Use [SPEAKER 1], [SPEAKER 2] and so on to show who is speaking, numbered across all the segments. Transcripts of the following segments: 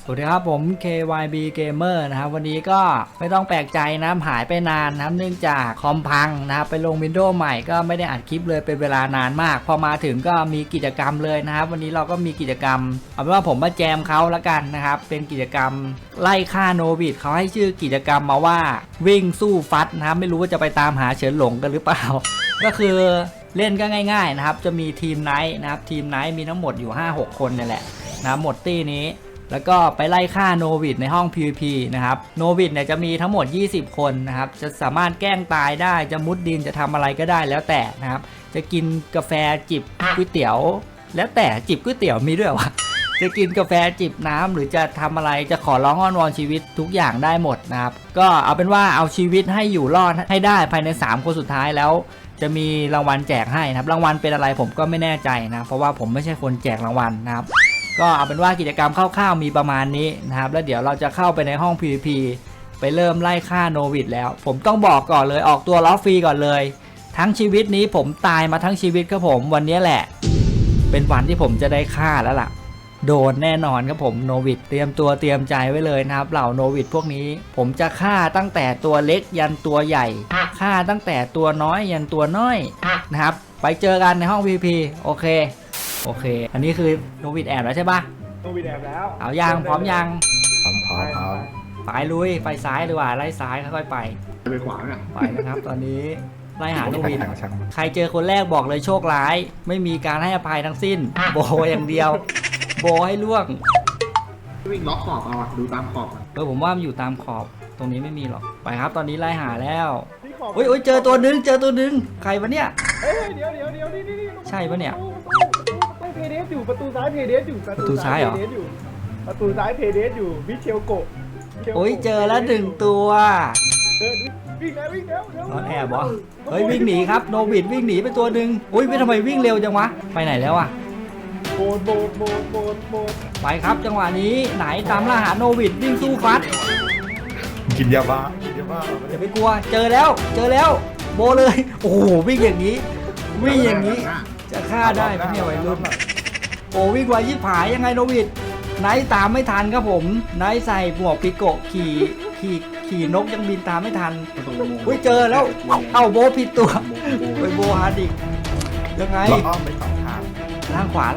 [SPEAKER 1] สวัสดีครับผม KYB Gamer นะครับวันนี้ก็ไม่ต้องแปลกใจนะหายไปนานนะครับเนื่องจากคอมพังนะครับไปลง Windows ใหม่ก็ไม่ได้อัดคลิปเลยเป็นเวลานานมากพอมาถึงก็มีกิจกรรมเลยนะครับวันนี้เราก็มีกิจกรรมเอาเป็นว่าผมมาแจมเขาละกันนะครับเป็นกิจกรรมไล่ฆ่าโนบิดเขาให้ชื่อกิจกรรมมาว่าวิ่งสู้ฟัดนะครับไม่รู้ว่าจะไปตามหาเฉินหลงกันหรือเปล่า ก็คือเล่นก็ง่ายๆนะครับจะมีทีมไนท์นะครับทีมไนท์มีทั้งหมดอยู่ 5-6 คนนี่แหละนะหมดตี้นี้แล้วก็ไปไล่ฆ่าโนวิดในห้อง PVP นะครับโนวิดเนี่ยจะมีทั้งหมด20คนนะครับจะสามารถแกล้งตายได้จะมุดดินจะทำอะไรก็ได้แล้วแต่นะครับจะกินกาแฟจิบก๋วยเตี๋ยวแล้วแต่จิบก๋วยเตี๋ยวมีด้วยวะจะกินกาแฟจิบน้ำหรือจะทำอะไรจะขอร้องอ้อนวอนชีวิตทุกอย่างได้หมดนะครับก็เอาเป็นว่าเอาชีวิตให้อยู่รอดให้ได้ภายใน3คนสุดท้ายแล้วจะมีรางวัลแจกให้นะครับรางวัลเป็นอะไรผมก็ไม่แน่ใจนะเพราะว่าผมไม่ใช่คนแจกรางวัลนะครับก็เอาเป็นว่ากิจกรรมคร่าวๆมีประมาณนี้นะครับแล้วเดี๋ยวเราจะเข้าไปในห้อง PVP ไปเริ่มไล่ฆ่าโนวิดแล้วผมต้องบอกก่อนเลยออกตัวล้อฟรีก่อนเลยทั้งชีวิตนี้ผมตายมาทั้งชีวิตครับผมวันนี้แหละเป็นวันที่ผมจะได้ฆ่าแล้วล่ะโดนแน่นอนครับผมโนวิดเตรียมตัวเตรียมใจไว้เลยนะครับเหล่าโนวิดพวกนี้ผมจะฆ่าตั้งแต่ตัวเล็กยันตัวใหญ่ฆ่าตั้งแต่ตัวน้อยยันตัวน้อยนะครับไปเจอกันในห้อง PVP โอเคอันนี้คือโนวิดแอบแล้วใช่ปะ
[SPEAKER 2] โนวิดแอบแล้ว
[SPEAKER 1] เอายังพร้อมยัง
[SPEAKER 3] พร้อม
[SPEAKER 1] ไปลุยไปซ้ายดีกว่าไล่ซ้ายค่อยๆไป
[SPEAKER 2] ขวาเนี่ย
[SPEAKER 1] ไปนะครับตอนนี้ไล่หาโนวิดใครเจอคนแรกบอกเลยโชคร้ายไม่มีการให้อภัยทั้งสิ้นโบอย่างเดียวโบให้ล่วง
[SPEAKER 2] วิ่งล็อกขอบเอาดูตามขอบ
[SPEAKER 1] ผมว่ามันอยู่ตามขอบตรงนี้ไม่มีหรอกไปครับตอนนี้ไล่หาแล้วโอ้ยเจอตัวนึงใครวะเนี่ย
[SPEAKER 2] เดี๋ยวนี่
[SPEAKER 1] ใช่ปะเนี่ย
[SPEAKER 2] เพเดสอยู่ประตูซ้ายเพเดสอยู่
[SPEAKER 1] ประตูซ้ายเหรอ
[SPEAKER 2] ประตูซ้ายเพเดสอยู่มิเชลโกะ
[SPEAKER 1] โอ้ยเจอแล้ว1ตัว
[SPEAKER 2] วิ่งแล้ว
[SPEAKER 1] นอนแอบวะเฮ้ยวิ่งหนีครับโนบิดวิ่งหนีไปตัวหนึ่งอุ้ยไม่ทำไมวิ่งเร็วจังวะไปไหนแล้วอะ
[SPEAKER 2] โบด
[SPEAKER 1] ไปครับจังหวะนี้ไหนตามล่าหาโนบิดวิ่งสู้ฟัด
[SPEAKER 3] กินยาบ้า
[SPEAKER 1] อย่าไปกลัวเจอแล้วโบเลยโอ้โหวิ่งอย่างนี้จะฆ่าได้ไหมเนี่ยวัยรุ่นโอ้วิ่งไวยิ่งผายยังไงโนบิดไนท์ตามไม่ทันครับผมไนท์ใส่หมวกปิโกะขี่นกยังบินตามไม่ทันอุ้ยเจอแล้วเอ้าโบผิดตัวไปโบฮาร์ดิกยังไง
[SPEAKER 3] อ้อมไปสองทาง
[SPEAKER 1] ล่างขวา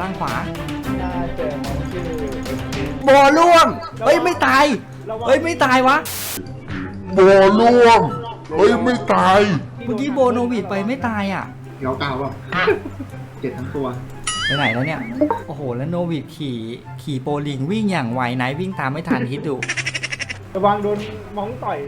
[SPEAKER 1] โบล่วงเฮ้ยไม่ตายวะ
[SPEAKER 3] โบล่วงไม่ตาย
[SPEAKER 1] เมื่อกี้โบโนวิดไปไม่ตายอ่ะ
[SPEAKER 2] เงาเก่าป่ะเจ็บทั้งตัว
[SPEAKER 1] ไปไหนแล้วเนี่ยโอ้โหแล้วโนวิดขี่โปลิงวิ่งอย่างไวไหนวิ่งตามไม่ทันคิดดู
[SPEAKER 2] ระวังโดนมองต่อย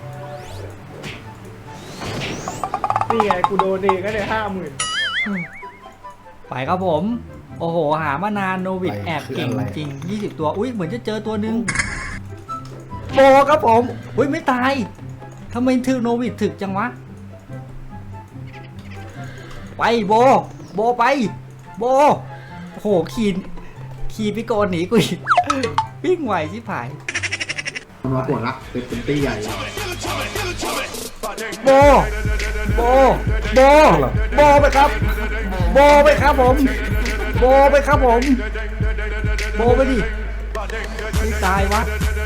[SPEAKER 2] นี่ไงกูโดนเองก็เลย50,000
[SPEAKER 1] ไปครับผมโอ้โหหามานานโนวิดแอบเก่งจริง20ตัวอุ้ยเหมือนจะเจอตัวนึงโบครับผมอุ้ยไม่ตายทำไมถึกโนวิดถึกจังวะไปโบไปโบโอ้โหขี่พิโกนหนีกูอีกวิ่งไวชิบหาย
[SPEAKER 2] มาปวดละเป็นตี้ใหญ่
[SPEAKER 1] โบไปครับโบไปครับผมโบไปดิไม่ตายวะ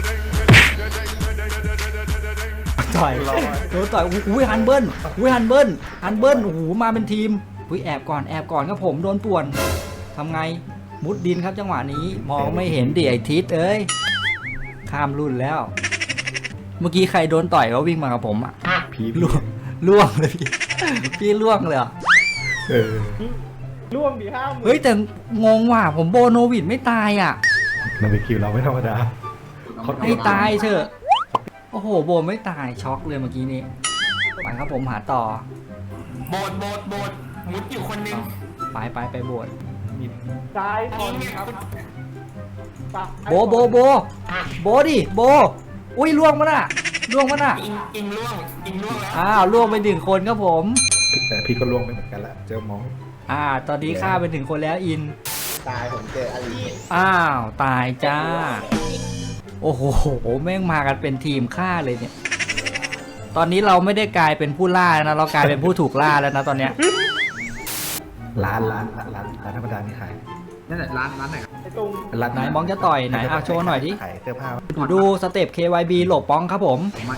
[SPEAKER 1] ต่อยอุ้ยฮันเบิ้ลโอ้โหมาเป็นทีมอุ้ยแอบก่อนครับผมโดนป่วนทำไงมุดดินครับจังหวะนี้มองไม่เห็นดิไอทิศเอ้ยข้ามรุ่นแล้วเมื่อกี้ใครโดนต่อยก็วิ่งมากับผมอ่ะ
[SPEAKER 3] พี่
[SPEAKER 1] ล่วงเลยพี่ล่วงเลย
[SPEAKER 2] ล่วงดี50,000
[SPEAKER 1] เฮ้ยแต่งงว่ะผมโบโนวิดไม่ตายอ่ะ
[SPEAKER 3] เราไปคิวเราไม่ธรรมดา
[SPEAKER 1] ให้ตายเถอะโอ้โหโบไม่ตายช็อกเลยเมื่อกี้นี้ไปครับผมหาต่อ
[SPEAKER 4] โบดมุดอยู่คนนึง
[SPEAKER 1] ไปโบด
[SPEAKER 2] ซ้ายคนครับ
[SPEAKER 1] โบดิโบอุ้ยล่วงมันอ่ะ
[SPEAKER 4] อิงล่วงแล้ว
[SPEAKER 1] อ้าวล่วงไป1คนครับผม
[SPEAKER 3] แต่พี่ก็ล่วงไปเหมือนกันละเจอมอง
[SPEAKER 1] ตอนนี้ฆ่าไปถึงคนแล้วอิน
[SPEAKER 2] ตายผมเจออลี
[SPEAKER 1] อ้าวตายจ้าโอ้โหแม่งมากันเป็นทีมฆ่าเลยเนี่ยตอนนี้เราไม่ได้กลายเป็นผู้ล่านะเรากลายเป็นผู้ถูกล่าแล้วนะตอนเนี้ย
[SPEAKER 3] ร้านธรรมดานี่ขาย
[SPEAKER 2] นั่นแหละร้านไหนตรง
[SPEAKER 5] รัด
[SPEAKER 1] ไหนมองจะต่อยไหนโชว์หน่อยดิ
[SPEAKER 5] ขายเสื้อผ้า
[SPEAKER 1] ดูสเต็ป KYB หลบป้องครับผม
[SPEAKER 2] มา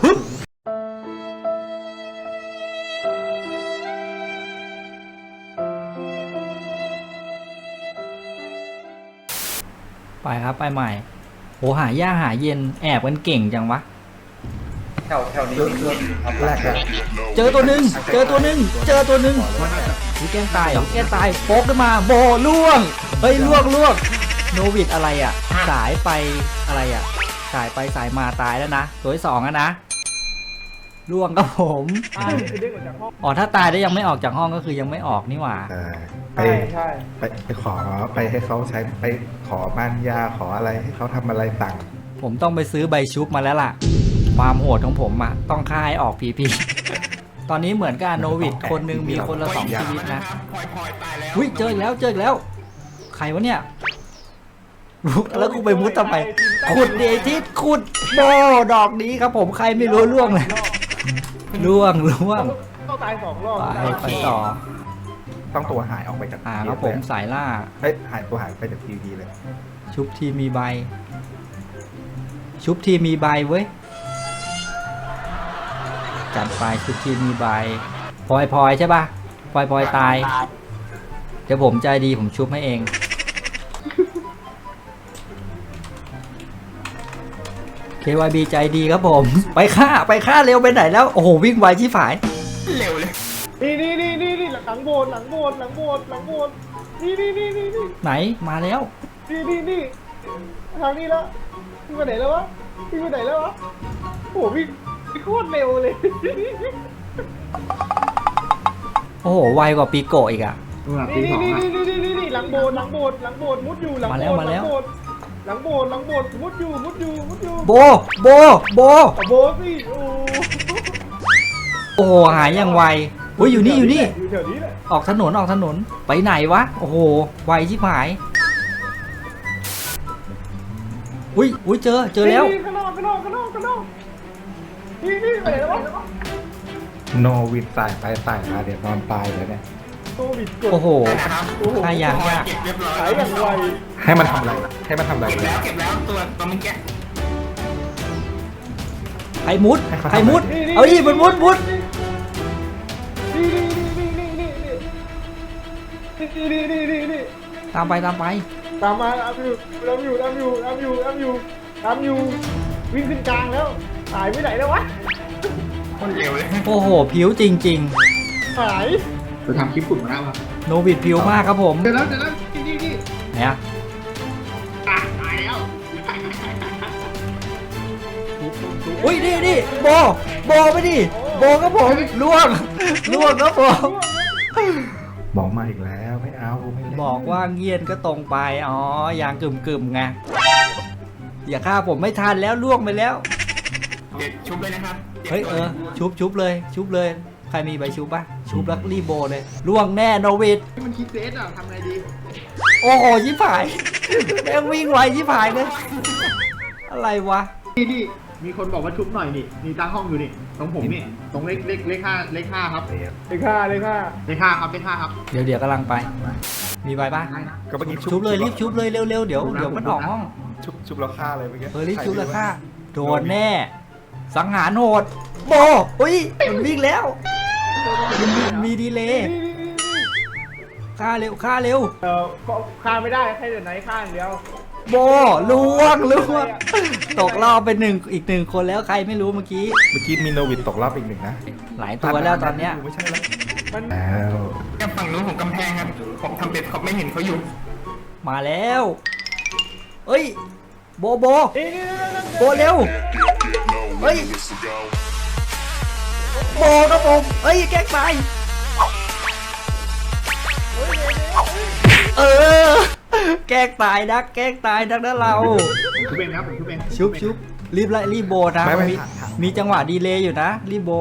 [SPEAKER 1] ไปครับไปใหม่โหหายากหาเย็นแอบกันเก่งจังวะ
[SPEAKER 5] แถวนี้แรกแล้ว
[SPEAKER 1] เจอตัวหนึ่งเจอตัวหนึ่งเจอตัวหนึ่งนี่แกล้งตายเหรอแกล้งตายโป๊กขึ้นมาโบล่วงเฮ้ยล่วงโนวิดอะไรอ่ะสายไปอะไรอ่ะสายไปสายมาตายแล้วนะตัวที่สองอะนะล่วงครับผม
[SPEAKER 2] คือเด้งออกจากห้อง
[SPEAKER 1] อ๋อถ้าตายได้ยังไม่ออกจากห้องก็คือยังไม่ออกนี่หว่า
[SPEAKER 5] ไป
[SPEAKER 2] ใช่
[SPEAKER 5] ไปขอไปให้เขาใช้ไปขอบ้านยาขออะไรให้เขาทำอะไรต่าง
[SPEAKER 1] ผมต้องไปซื้อใบชุบมาแล้วล่ะความโหดของผมอะต้องฆ่าให้ออกพีพีตอนนี้เหมือนกับโนวิดคนหนึงมีคนละ2ชีวิตนะ
[SPEAKER 4] พลอยตายแล้ว
[SPEAKER 1] อุ้ยเจออีกแล้วใครวะเนี่ยแล้วกูไปมุดทำไมขุดเดทิสขุดโบดอกนี้ครับผมใครไม่รู้ล่วงเลยล่วง
[SPEAKER 2] ต้องตาย2 รอบ
[SPEAKER 1] ไปต่อ
[SPEAKER 5] ต้องตัวหายออกไปจาก
[SPEAKER 1] ครับผมสายล่า
[SPEAKER 5] เฮ้ยหายตัวหายไปจากทีวีเลย
[SPEAKER 1] ชุบทีมีใบ ชุบทีมีใบเว้ยจัดไปชุบทีมีใบพลอยใช่ป่ะพลอยตายเดี๋ยวผมใจดีผมชุบให้เอง KYB ใจดีครับผม ไปฆ่าเร็วไปไหนแล้ว โอ้โห วิ่งไวชิบหาย
[SPEAKER 4] เร็วเลย
[SPEAKER 2] นี่หลังโบสถ์นี่
[SPEAKER 1] ไหนมาแล้ว
[SPEAKER 2] นี่ทางนี้แล้วพี่ไปไหนแล้ววะโอ้วิ่งโคตรเร็วเลย
[SPEAKER 1] โอ้โห ไวกว่าปีโกะอีกอะ
[SPEAKER 2] นี่หลังโบสถ์มุดอยู่หลังโบสถ์หลังโบสถ์มุดอยู่
[SPEAKER 1] โบ
[SPEAKER 2] โบสิ
[SPEAKER 1] โอ้โห หายอย่างไวอุ้ยอยู่นี่
[SPEAKER 2] อยู่แถวนี้แหละ
[SPEAKER 1] ออกถนน ไปไหนวะ โอ้โห ไวชิบหาย อุ้ยเจอแล้ว
[SPEAKER 2] ข้างนอกนี่ไปไหนแล้ววะ
[SPEAKER 5] โนวิดสายไปสายมาเดี๋ยวนอนตายเลยเนี่ย
[SPEAKER 2] โควิดกด
[SPEAKER 1] โอ้โห
[SPEAKER 4] นะครับ
[SPEAKER 1] ฆ่ายาก
[SPEAKER 4] พลอยเก็บเรียบร้อย
[SPEAKER 2] หายอย่างไว
[SPEAKER 5] ให้มันทำอะไร
[SPEAKER 4] เก็บแล้วตัวมันแกะ
[SPEAKER 1] ใครมุด เอาดิมันมุด
[SPEAKER 2] นี่
[SPEAKER 1] ตามไป
[SPEAKER 2] ตามมาตามอยู่วิ่งขึ้นกลางแล้วหายไปไหนแล้ววะ
[SPEAKER 4] คนเร็วเลย
[SPEAKER 1] โอ้โห ผิวจริง
[SPEAKER 2] หาย
[SPEAKER 3] จะทำคลิปฝุ่นมาแล้วครับ
[SPEAKER 1] ๆ โนวิดผิวมากครับผม
[SPEAKER 3] เดี๋ยวแล้วนี่
[SPEAKER 1] ไหนอะ
[SPEAKER 3] ตายแล้ว
[SPEAKER 1] อุ้ยนี่โบไปดิโบครับผมล่วงครับผม
[SPEAKER 5] บอกมาอีกแล้วไม่เอาไม่เล่น
[SPEAKER 1] บอกว่าเงียนก็ตรงไปอ๋อย่างกึ่มไงอย่าฆ่าผมไม่ทันแล้วล่วงไปแล้ว
[SPEAKER 4] เด็ดชุบเลยนะครับ
[SPEAKER 1] เฮ้ยชุบเลยใครมีใบชุบป่ะชุบแล้วรีบโบเลยล่วงแน่โนวิด
[SPEAKER 3] มันคิดเซตอ่ะทำไงดี
[SPEAKER 1] โอ้โหชิบหายแม่งวิ่งไวชิบหายเลยอะไรวะ
[SPEAKER 3] นี่มีคนบอกว่าชุบหน่อยนี่ตั้งห้องอยู่นี่ตรงผมนี่ตรงเลขห้าครับ
[SPEAKER 2] เลยค่า
[SPEAKER 3] เลขห้าครับ
[SPEAKER 1] เดี๋ยวกำลังไป มีใบป่ะ
[SPEAKER 5] ก็เมื่อกี้
[SPEAKER 1] ชุบเลยรีบชุบเลยเร็วเดี๋ยวมันออกห้อง
[SPEAKER 5] ชุบแล้วฆ่าเลยเมื่อกี้
[SPEAKER 1] รีบชุบเลยค่ะโดนแน่ สังหารโหดโบอุ้ยมันวิ่งแล้วมีดีเลย์ฆ่าเร็ว
[SPEAKER 2] ก็ฆ่าไม่ได้แค่เดี๋ยวไหนฆ่าอย่างเดียว
[SPEAKER 1] โบล่วงตกรอบไปอีกหนึ่งคนแล้วใครไม่รู้เมื่อกี้
[SPEAKER 5] มีโนวิดตกรอบอีกหนึ่งนะ
[SPEAKER 1] หลายตัวแล้วตอนเนี้ย
[SPEAKER 5] ไม่ใช่แล้ว
[SPEAKER 2] มัน
[SPEAKER 5] แล้ว
[SPEAKER 4] แค่ฝั่งนู้นของกำแพงครับผมทำเป็ดเขาไม่เห็นเขาอยู่
[SPEAKER 1] มาแล้วเอ้ยโบ
[SPEAKER 2] นี่
[SPEAKER 1] โบเร็วเฮ้ยโบครับผมเอ้ยแกล้งตายแกล้งตายนักนะเรา
[SPEAKER 3] ชุบเองครับผมชุบเอง
[SPEAKER 1] ชุบรีบโบนะ
[SPEAKER 5] ไม่
[SPEAKER 1] มีจังหวะดีเลย์อยู่นะรีบโบ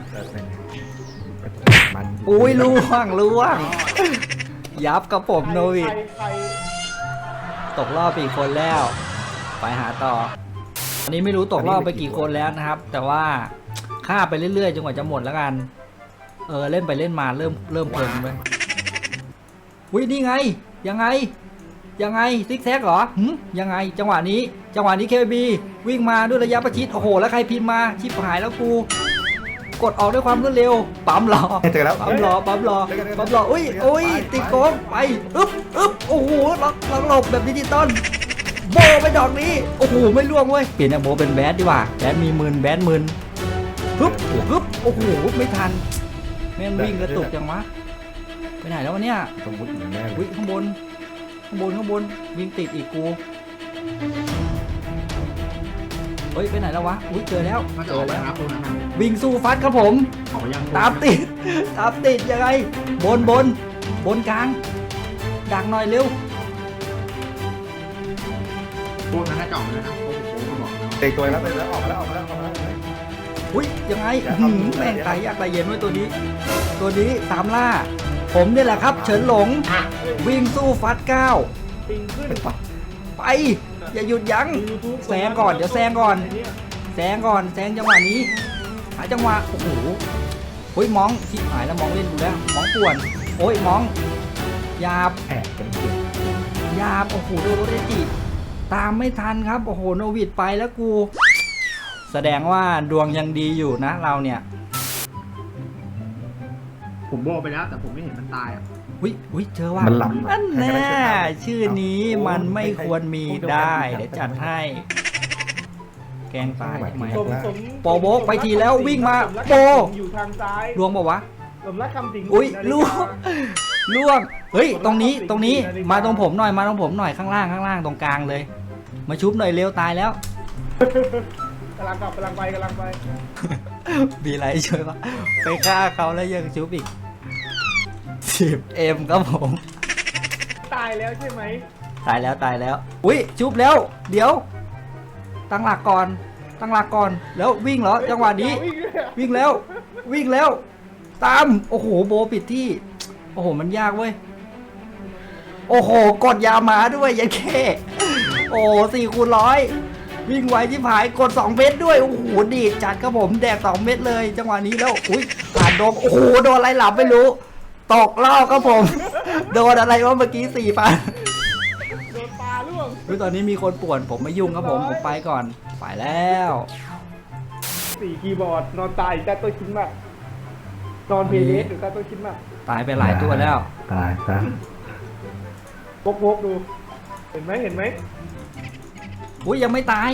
[SPEAKER 5] มัน
[SPEAKER 1] อุ้ยล่วงยับกับผมโนวิด
[SPEAKER 2] ใคร
[SPEAKER 1] ตกรอบไปอีกคนแล้ว ไปหาต่ออันนี้ไม่รู้ตกรอบไปกี่คนแล้วนะครับ แต่ว่าฆ่าไปเรื่อยๆจนกว่าจะหมดแล้วกันเล่นไปเล่นมาเริ่มเพลินไปอุ้ยนี่ไงยังไงยังไงซิกแซกเหรอยังไงจังหวะนี้เคบีวิ่งมาด้วยระยะประชิดโอ้โหแล้วใครพิมพ์มาชิบหายแล้วกูกดออกด้วยความรวดเร็วปั๊มรอ
[SPEAKER 5] เจอแล้ว
[SPEAKER 1] ปั๊มรออุ้ยติดโกงไปอึ๊บโอ้โหล็อกหลบแบบดิจิตอลโบไปดอกนี้โอ้โหไม่ล่วงเว้ยเปลี่ยนจากโบเป็นแบดดีกว่าแบดมีมืนฮึบโอ้โหไม่ทันแม่งวิ่งกระตุกจังวะไปไหนแล้ววะเนี่ย
[SPEAKER 5] สมมติอย่างแม่เล
[SPEAKER 1] อุ้
[SPEAKER 5] ย
[SPEAKER 1] ยข้างบนวิ่งติดอีกกูเฮ้ยไปไหนแล้ววะอุ้ยเจอแล้ว
[SPEAKER 3] มันจะออกไปนะครับตรงนั้นนะ
[SPEAKER 1] วิ่งสู้ฟัดครับผม
[SPEAKER 3] ออกไปยัง
[SPEAKER 1] ตามติดยังไงบนกลางดักหน่อยเร็ว
[SPEAKER 3] พวกนั้นน่าจะออกเลยนะพวกผมบอกนะ
[SPEAKER 5] เด็กตัวแล้วไปแล้วออกมาแล้ว
[SPEAKER 1] อุ้ยยังไง
[SPEAKER 5] อย่าเข้า
[SPEAKER 1] แม่งตายยากตายเย็นไว้ตัวนี้ตามล่า ผมนี่แหละครับเฉินหลงวิ่งสู้ฟัดก้าว
[SPEAKER 2] ปิงขึ้น
[SPEAKER 1] ไปอย่าหยุดยั้ง
[SPEAKER 2] YouTube
[SPEAKER 1] แซงก่อนเดี๋ยวแซงก่อน แซงจังหวะนี้หาจังหวะโอ้โหเฮ้ยมองชิบหายแล้วมองเล่นดูแล้วมองป่วนโอ้ยมองหยาบ
[SPEAKER 5] แอบกันเก่ง
[SPEAKER 1] โอ้โหโดนรถเอจิตามไม่ทันครับโอ้โหโนวิดไปแล้วกู แสดงว่าดวงยังดีอยู่นะเราเนี่ย
[SPEAKER 3] ผมโบไปแล้วแต่ผมไม่เห็นมันตายอ่ะ
[SPEAKER 1] อุ้ยเจอว่า
[SPEAKER 5] มันหลับ
[SPEAKER 1] นั่นแน่ชื่อนี้มันไม่ควรมีได้เดี๋ยวจัดให้ แกงตายทำไม
[SPEAKER 2] สม
[SPEAKER 1] โปโบกไปทีแล้ววิ่งมาโป
[SPEAKER 2] อยู่ทางซ้าย
[SPEAKER 1] ลวงบอกวะ
[SPEAKER 2] สมรักคำสิง
[SPEAKER 1] อุ้ยล่วงเฮ้ยตรงนี้มาตรงผมหน่อยข้างล่างตรงกลางเลย มาชุบหน่อยเร็วตายแล้ว
[SPEAKER 2] กำลังไป
[SPEAKER 1] มีอะไรช่วยปะไปฆ่าเขาแล้วยังชุบอีก10M ครับผม
[SPEAKER 2] ตายแล้วใช่ไหม
[SPEAKER 1] ตายแล้วอุ้ยชุบแล้วเดี๋ยวตั้งหลักก่อนแล้ววิ่งเหรอจังหวะนี้ วิ่งแล้วตามโอ้โหโบปิดที่โอ้โหมันยากเว้ยโอ้โหกดยามาด้วยยันแค่โอ้4x100วิ่งไวที่ผายกด2เม็ดด้วยโอ้โหดีดจัดครับผมแดก2เม็ดเลยจังหวะนี้แล้วอุ้ยผ่านโดนโอ้โหโดนอะไรหลับไม่รู้ตกรอบครับผม โดนอะไรวะเมื่อกี้4,000
[SPEAKER 2] โดนปลาล่วง
[SPEAKER 1] ตอนนี้มีคนป่วนผมไม่ยุ่งครับผมไปก่อนไปแล้ว
[SPEAKER 2] 4 คีย์บอร์ดนอนตายแต่ตัวชิ้นมากนอนเพลย์หรือแต่ตัวชิ้นมาก
[SPEAKER 1] ตายไปหลายตัวแล้ว
[SPEAKER 5] ตายซะ
[SPEAKER 2] พกดู เห็นไหม
[SPEAKER 1] อุ้ยยังไม่ตาย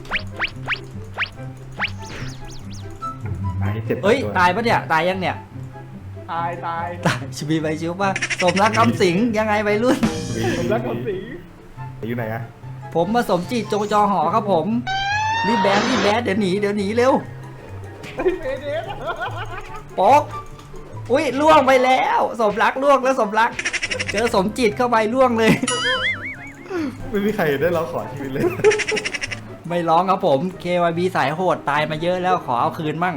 [SPEAKER 5] ไม้เจ็บ
[SPEAKER 1] เอ้ยตายปะเนี่ยตายยังเนี่ย
[SPEAKER 2] ตาย
[SPEAKER 1] ชิบีใบชิวป่ะสมรักคำสิงยังไงใบรุ่น
[SPEAKER 2] สมรักคำสิง
[SPEAKER 5] อยู่ไหนอะ
[SPEAKER 1] ผมมาสมจิตจงจอหอครับผมรีบแบดเดี๋ยวหนีเร็ว
[SPEAKER 2] เฮ้ยเมเดส
[SPEAKER 1] โป๊กอุ้ยล่วงไปแล้วสมรักล่วงแล้วสมรัก เจอสมจิตเข้าไปล่วงเลย
[SPEAKER 5] ไม่มีใครได้ร้องขอชีวิตเลย
[SPEAKER 1] ไม่ร้องครับผม KYB สายโหดตายมาเยอะแล้วขอเอาคืนมั่ง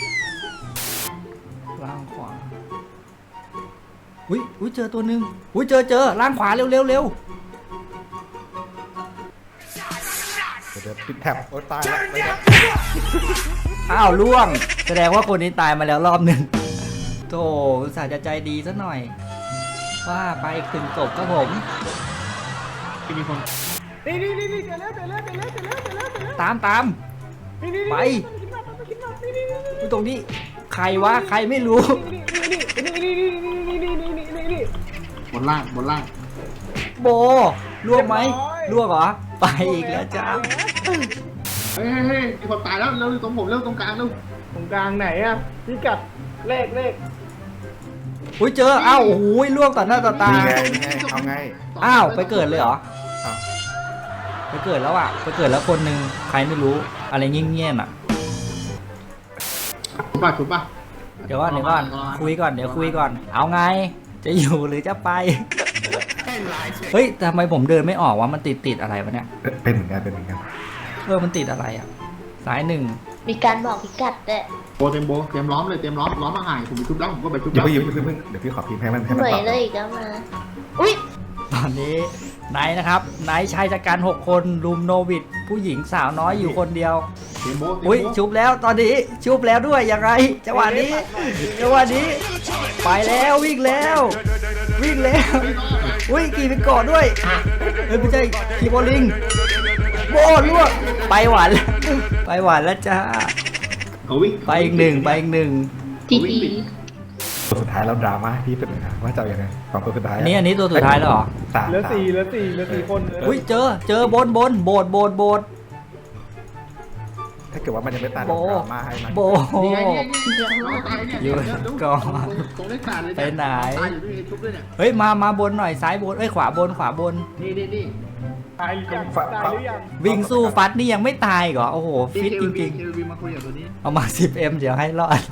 [SPEAKER 1] ล่างขวาอุ้ยเจอตัวหนึ่งอุ้ยเจอล่างขวาเร็ว
[SPEAKER 5] เดี๋ยวปิดแท็บโอ้ตายแล้วไปแล้ว
[SPEAKER 1] อ้าวล่วง แสดงว่าคนนี้ตายมาแล้วรอบหนึ่งโธ่อุตส่าห์จะใจดีซะหน่อย ว่าไปอีกถึงศพครับผม
[SPEAKER 3] ที่มีคน
[SPEAKER 2] นี่เดี๋ยวแล้ว
[SPEAKER 1] ตาม
[SPEAKER 2] นี่
[SPEAKER 1] ไป
[SPEAKER 2] นี่
[SPEAKER 1] ตรงนี้ใครวะใครไม่รู้
[SPEAKER 2] นี่
[SPEAKER 3] บนล่าง
[SPEAKER 1] โบล่วงไหมล่วงเหรอไปอีกแล้วจ้า
[SPEAKER 3] เฮ้ยมีคนตายแล้วเร็วตรงผมเร็วตรงกลางเร็ว
[SPEAKER 2] ตรงกลางไหนอะพิกัดเลข
[SPEAKER 1] อุ้ยเจออ้าวโอ้โหล่วงต่อหน้าต่อตา
[SPEAKER 5] นี่ไงเอาไง
[SPEAKER 1] อ้าวไปเกิดเลยเหรอ
[SPEAKER 5] อ้าว
[SPEAKER 1] ไปเกิดแล้วอ่ะไปเกิดแล้วคนหนึ่งใครไม่รู้อะไรเงี้ยๆอ่ะ
[SPEAKER 3] ชุบป่ะ
[SPEAKER 1] เดี๋ยวก่อนคุยก่อนเดี๋ยวคุยก่อน เอาไงจะอยู่หรือจะไป
[SPEAKER 4] ให้ลายเฉย
[SPEAKER 1] เฮ้ยทำไมผมเดินไม่ออกวะมันติดอะไรวะเนี่ย
[SPEAKER 5] เป็นเหมือนกัน
[SPEAKER 1] มันติดอะไรอ่ะสายหนึ่ง
[SPEAKER 6] มีการบอกพิกัดด้วย
[SPEAKER 3] โบเตรียมล้อมเลยล้อมมาห่างผมไปชุบแล้วผมก็ไปชุบ
[SPEAKER 5] อย่า
[SPEAKER 3] แล้ว
[SPEAKER 5] เพิ่งเดี๋ยวพี่ขอพิมพ์ให้มัน
[SPEAKER 6] เหนื่อย
[SPEAKER 5] ตอบ
[SPEAKER 6] เลยอีกแล้วมา อุ้ย
[SPEAKER 1] ตอนนี้ไนท์นะครับไนท์ชายจัดการ6 คนรุมโนวิดผู้หญิงสาวน้อยอยู่คนเดียว
[SPEAKER 3] เตรียมโบ
[SPEAKER 1] อุ้ยชุบแล้วตอนนี้ชุบแล้วด้วยยังไงจังหวะนี้ไปแล้ววิ่งแล้วอุ้ยขี่ไปเกาะด้วยเฮ้ยไม่ใช่ขี่โบลิ่งโบล่วงไปหวานแล้วไปหวานแล้วจ้า
[SPEAKER 3] เขาวิ่ง
[SPEAKER 1] ไปอีกหนึ่งไปอีกหนึ่ง
[SPEAKER 6] จีจี
[SPEAKER 5] ตัวสุดท้ายแล้วดราม่าพี่เป็นไงว่าจะเอายังไงสองตัวสุดท้าย
[SPEAKER 1] อันนี้ตัวสุดท้ายแล้วเหรอ
[SPEAKER 5] สาม
[SPEAKER 2] เหลือสี่คน
[SPEAKER 1] อุ้ยเจอบนโบด
[SPEAKER 5] ถ้าเกิดว่ามันยังไม่ตาย
[SPEAKER 1] โบ
[SPEAKER 5] ดราม่าให้มัน
[SPEAKER 1] โบ
[SPEAKER 3] นี่ไงนี่เราตายเนี่ย
[SPEAKER 1] อยู่ก่อน
[SPEAKER 3] ตรงเลขขาดเลย
[SPEAKER 1] ไปไหน
[SPEAKER 3] ตายอยู่ด้วยทุบด้วยเนี่ย
[SPEAKER 1] เฮ้ยมาบนหน่อยซ้ายบนเอ้ยขวาบน
[SPEAKER 3] นี่
[SPEAKER 2] ตายหรือยังตายหรือยัง
[SPEAKER 1] วิ่งสู้ฟัดนี่ยังไม่ตายเหรอโอ้โหฟิตจริง
[SPEAKER 3] เควีมาคุยกับตัวนี้
[SPEAKER 1] ๆเอามา 10M เดี๋ยวให้รอด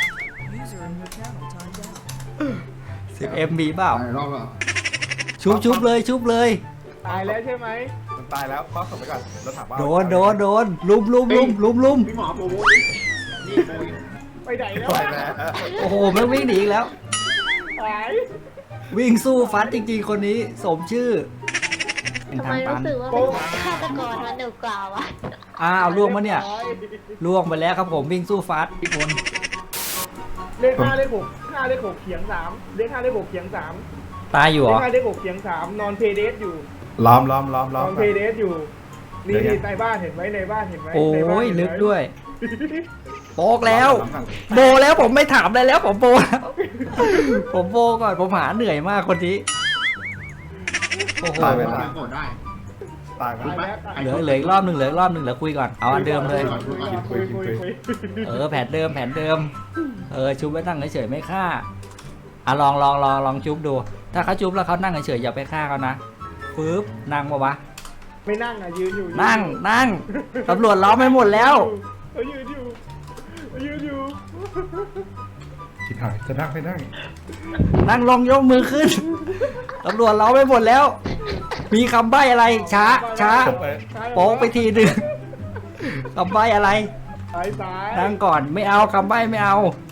[SPEAKER 1] 10M มีเปล่า
[SPEAKER 3] รอบแล้ว
[SPEAKER 1] ชุบเลย
[SPEAKER 2] ตายแล้วใช่ไหม
[SPEAKER 5] มันตายแล้วก็ส่งไปก่อนแล้วถามว่า
[SPEAKER 1] โดนลุม
[SPEAKER 3] พี่หมอโปรโมทนี่โปรย
[SPEAKER 2] ไปไหนแล้ว
[SPEAKER 5] ไปแล้ว
[SPEAKER 1] โอ้โหแม่งวิ่งหนีอีกแล้ว
[SPEAKER 2] ตาย
[SPEAKER 1] วิ่งสู้ฟัดจริงๆคนนี้สมชื่อ
[SPEAKER 6] ทำไมรู้สึกว่าเป็นฆาตกรมันหนูกล่าวอะ
[SPEAKER 1] อ้าวล่วงมาเนี่ยล่วงไปแล้วครับผมวิ่งสู้ฟัดอีกคน
[SPEAKER 2] เลข5เลข6 5เลข6เขียง3เลข5เลข6เขียง3
[SPEAKER 1] ตายอยู่เห
[SPEAKER 2] เล
[SPEAKER 1] ร
[SPEAKER 2] ข
[SPEAKER 1] อ
[SPEAKER 2] 5เลข6เขียง3นอนเพเดสอยู่
[SPEAKER 5] ล้อม
[SPEAKER 2] นอนเพเดสอยู่นี่ในบ้านเห็นไหมในบ้านเห็นไหม
[SPEAKER 1] โอ้
[SPEAKER 2] ในบ้าน
[SPEAKER 1] ย
[SPEAKER 2] เห็นไหม
[SPEAKER 1] ลึกด้วยโปกแล้ว โบแล้วผมไม่ถามอะไรแล้วผมโบแล้วผมโบก่อนผมหาเหนื่อยมากคนนี้โอ้โห
[SPEAKER 5] ตายไป
[SPEAKER 3] โป
[SPEAKER 5] แล้ว
[SPEAKER 3] รโมทได้
[SPEAKER 5] ตายไป
[SPEAKER 2] ตายแล้วตาย
[SPEAKER 1] เหลืออีกรอบหนึ่งเหลือคุยก่อนเอาอันเดิมเลย
[SPEAKER 2] คุย
[SPEAKER 1] แผนเดิมชุบไว้นั่งเฉยๆไม่ฆ่าลองชุบดู ถ้าเขาชุบแล้วเขานั่งเฉยๆอย่าไปฆ่าเขานะปึ๊บนั่งปะวะ
[SPEAKER 2] ไม่นั่งอ่ะยืนอยู่
[SPEAKER 1] นั่งตำรวจล้อมไม่หมดแล้ว
[SPEAKER 2] ยืนอยู่
[SPEAKER 5] คิดหายจะนั่งไม่นั่ง
[SPEAKER 1] นั่งลงยกมือขึ้นตำรวจล้อมไม่หมดแล้ว มีคำใบ้อะไรช้าโป๊กไปทีหนึ่งคำใบ้อะไร
[SPEAKER 2] ซ้าย
[SPEAKER 1] นั่งก่อนไม่เอาคำใบ้ไม่เอา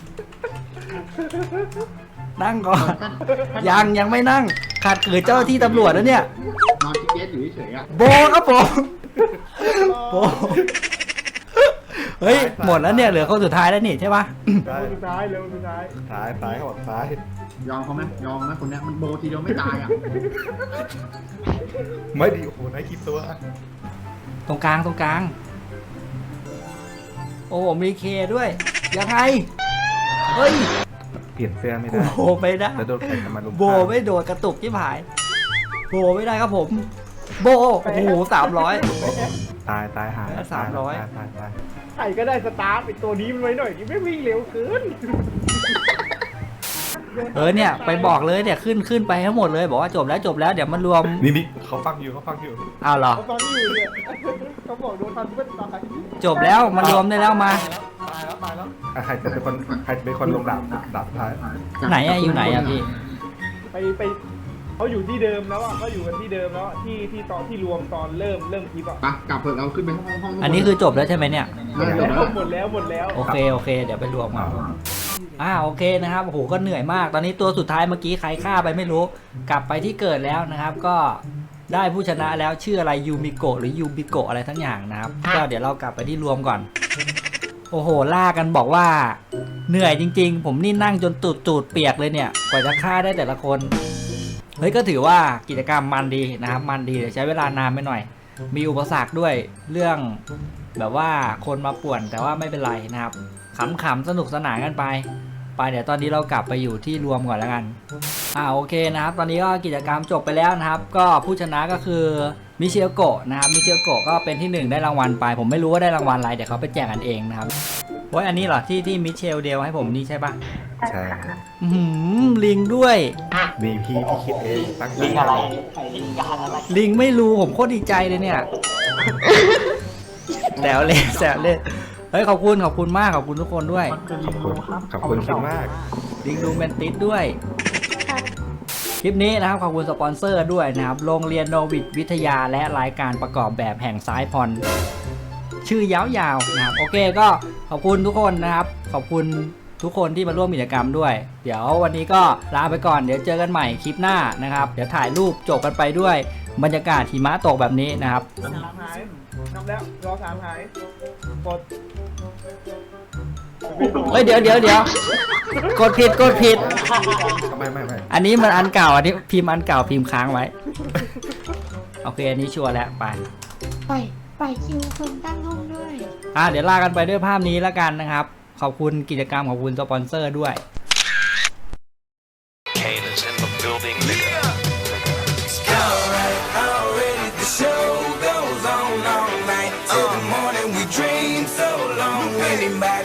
[SPEAKER 1] นั่งก่อนยังไม่นั่งขัดขืนเจ้าหน้าที่ตำรวจแล้วเนี่ย
[SPEAKER 3] นอนที่เกสอยู่เฉยๆอ่ะ
[SPEAKER 1] โบครับผมโบเฮ้ยหมดแล้วเนี่ยเหลือคนสุดท้ายแล้วนี่ใช่ปะ
[SPEAKER 5] ได้
[SPEAKER 2] สุดท้ายเร็วสุดท้าย
[SPEAKER 5] ซ้ายเขาบอกซ้าย
[SPEAKER 3] ยอมเขาไหมยอมไหมคนเนี้ยมันโบทีเดียวไม่ตายอ่ะ
[SPEAKER 5] ไม่ดีโอ้โหนายคิดตัว
[SPEAKER 1] ตรงกลางโอ้โหมีเคด้วยยังไงเฮ้ย
[SPEAKER 5] เปลี่ยนเสื้อไม่
[SPEAKER 1] กู
[SPEAKER 5] ได้
[SPEAKER 1] โบไม่ได้
[SPEAKER 5] แล้วโดนใครทำมาลุม
[SPEAKER 1] โบไม่โดดกระตุกที่ผายโบไม่ได้ครับผม โบโอ้โห300
[SPEAKER 5] ตายหาย
[SPEAKER 1] แล้ว300
[SPEAKER 5] ตาย
[SPEAKER 2] ใครก็ได้สตาร์ทไอตัวนี้มันไว้หน่อยดิไม่วิ่งเร็วเกิน
[SPEAKER 1] เนี่ยไปบอกเลยเนี่ยขึ้นไปทั้งหมดเลยบอกว่าจบแล้วเดี๋ยวมันรวม
[SPEAKER 5] นี่เขาฟังอยู่
[SPEAKER 1] อ้าวเหรอ
[SPEAKER 2] เขาฟังอยู่เนี่ยเขาบอกโดนทันเพื่อนตาย
[SPEAKER 1] จบแล้วมันรวมได้แล้วมา
[SPEAKER 5] ตายแล้วใครจะเป็นคนลงดาบสุดท้าย
[SPEAKER 1] ไหนอะอยู่ไหนอะพี่
[SPEAKER 2] ไปเขาอยู่ที่เดิมแล้วอ่ะเขาอยู่กันที่เดิมแล้วที่ตอนที่รวมตอนเริ่มคลิปอ่ะ
[SPEAKER 3] ไปกลับเถอะเราขึ้นไปห้อง
[SPEAKER 1] อันนี้คือจบแล้วใช่ไหมเนี่ย
[SPEAKER 3] จบแล้ว
[SPEAKER 2] หมดแล้ว
[SPEAKER 1] โอเคเดี๋ยวไปรวมมาโอเคนะครับโอ้โหก็เหนื่อยมาก ตอนนี้ตัวสุดท้ายเมื่อกี้ใครฆ่าไปไม่รู้ กลับไปที่เกิดแล้วนะครับ ก็ได้ผู้ชนะแล้วชื่ออะไรยูมิโกะหรือยูบิโกะอะไรทั้งอย่างนะครับก็เดี๋ยวเรากลับไปที่รวมก่อน โอ้โหล่ากันบอกว่าเหนื่อยจริงๆ ผมนี่นั่งจนตูดเปียกเลยเนี่ยกว่าจะฆ่าได้แต่ละคนเฮ้ยก็ถือว่ากิจกรรมมันดีนะครับมันดีแต่ใช้เวลานานไปหน่อย มีอุปสรรคด้วยเรื่องแบบว่าคนมาป่วนแต่ว่าไม่เป็นไรนะครับขำๆสนุกสนานกันไปเดี๋ยวตอนนี้เรากลับไปอยู่ที่รวมก่อนแล้วกันโอเคนะครับตอนนี้ก็กิจกรรมจบไปแล้วนะครับ ก็ผู้ชนะก็คือมิเชลโกะนะครับมิเชลโกะก็เป็นที่1ได้รางวัลไปผมไม่รู้ว่าได้รางวัลอะไรเดี๋ยวเขาไปแจกกันเองนะครับโอ้ยอันนี้เหรอที่มิเชลเดลให้ผมนี่ใช่ปะ
[SPEAKER 5] ใช่
[SPEAKER 1] ลิงด้วย
[SPEAKER 5] นี่พี่คิดเองตั้งใจ
[SPEAKER 1] ลิงไม่รู้ผมโคตรดีใจเลยเนี่ยแซวเล่นเฮ้ยขอบคุณมากขอบคุณทุกคนด้วย
[SPEAKER 5] ขอบคุณคิดมาก
[SPEAKER 1] ลิงดูเมนติสด้วยคลิปนี้นะครับขอบคุณสปอนเซอร์ด้วยนะครับโรงเรียนโนวิทวิทยาและรายการประกอบแบบแห่งซ้ายพรชื่อยาวๆนะครับโอเคก็ขอบคุณทุกคนนะครับขอบคุณทุกคนที่มาร่วมกิจกรรมด้วยเดี๋ยววันนี้ก็ลาไปก่อนเดี๋ยวเจอกันใหม่คลิปหน้านะครับเดี๋ยวถ่ายรูปจบกันไปด้วยบรรยากาศหิมะตกแบบนี้นะครับ
[SPEAKER 2] 3 หายนับแล้วรอ3 หายกด
[SPEAKER 1] เฮ้ยเดี๋ยวกดผิด
[SPEAKER 5] ไม่
[SPEAKER 1] อันนี้มันอันเก่าอันนี้พิมพ์อันเก่าพิมพ์ค้างไว้โอเคอันนี้ชัวร์แล้วไป
[SPEAKER 6] ไปคิวคนตั้งห้องด้วย
[SPEAKER 1] เดี๋ยวลากันไปด้วยภาพนี้แล้วกันนะครับขอบคุณกิจกรรมขอบคุณสปอนเซอร์ด้วย
[SPEAKER 7] Kane is in the building.
[SPEAKER 8] Already the show goes on all night till the morning. We dream so long. Anybody